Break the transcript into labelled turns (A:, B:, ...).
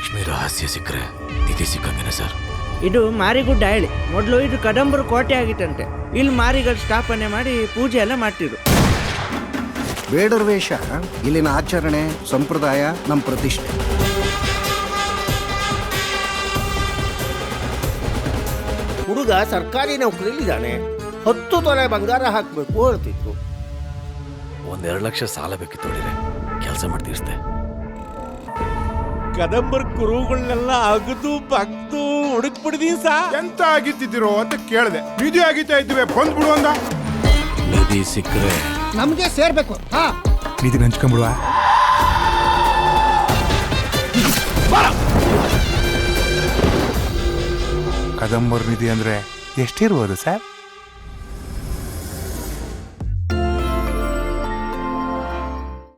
A: ಲಕ್ಷ್ಮಿ ರಹಸ್ಯ ಸಿಕ್ಕರೆ ನಿಧಿ ಸಿಕ್ಕಂಗೇನೆ ಸರ್.
B: ಇದು ಮಾರಿಗುಡ್ಡ ಹೇಳಿ ಮೊದಲು ಇದು ಕದಂಬರು ಕೋಟೆ ಆಗಿತ್ತಂತೆ. ಇಲ್ಲಿ ಮಾರಿಗಳು ಸ್ಥಾಪನೆ ಮಾಡಿ ಪೂಜೆ ಎಲ್ಲ ಮಾಡ್ತಿದ್ರು.
C: ಬೇಡರ ವೇಷ ಇಲ್ಲಿನ ಆಚರಣೆ ಸಂಪ್ರದಾಯ ನಮ್ಮ ಪ್ರತಿಷ್ಠೆ.
D: ಹುಡುಗ ಸರ್ಕಾರಿ ನೌಕರಿಲಿದ್ದಾನೆ, 10 ತೊಲೆ ಬಂಗಾರ ಹಾಕಬೇಕು ಹೇಳ್ತಿತ್ತು.
A: 1-2 ಲಕ್ಷ ಸಾಲ ಬೇಕಿತ್ತು ನೋಡಿದ್ರೆ ಕೆಲಸ ಮಾಡ್ತೀರ್ಸ್ತೆ.
E: ಕದಂಬರ್ ಕುರುಗಳನ್ನೆಲ್ಲ ಅಗದು ಬಗ್ದು ಹುಡುಕ್ಬಿಡ್ದೀನಿ ಸಾ.
F: ಎಂತ ಆಗಿತ್ತಿದ್ದೀರೋ ಅಂತ ಕೇಳಿದೆ. ನಿಧಿ ಆಗಿತ್ತಾ ಇದ್ವಿ ಬಂದ್ಬಿಡು ಅಂದ.
A: ನಿಧಿ ಸಿಕ್ಕರೆ
C: ನಮ್ಗೆ ಸೇರ್ಬೇಕು.
F: ನಿಧಿ ಹಂಚ್ಕೊಂಡ್ಬಿಡುವ. ಕದಂಬರ್ ನಿಧಿ ಅಂದ್ರೆ ಎಷ್ಟಿರ್ಬೋದು ಸರ್?